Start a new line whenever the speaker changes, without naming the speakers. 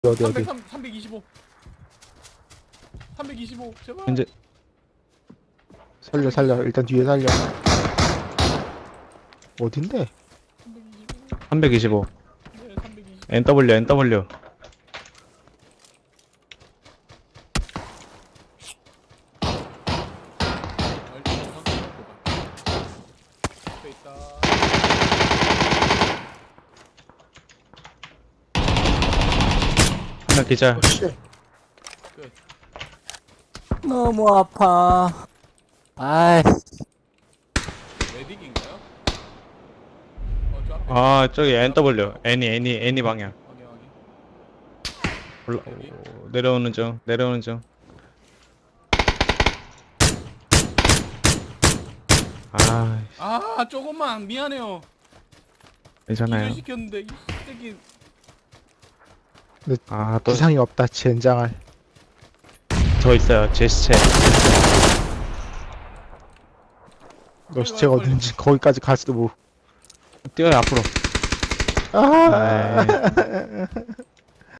어디
325. 325 제발.
현재
살려 일단 뒤에 살려. 어딘데?
325.
325
네, 325.
NW
앞에 있다.
하나 기자.
씨.
너무 아파. 아이,
메딕인가요? 저 앞에.
아 저기 NW 애니 방향
확인 확인.
올라
여기?
내려오는 중 아
아 조금만 미안해요.
괜찮아요.
기절 시켰는데 이 새끼.
아또
부상이 없다. 젠장할.
저 있어요 제시체.
너 시체가 어딘지 거기까지 갈지도 뭐.
뛰어요 앞으로.
아.
아이.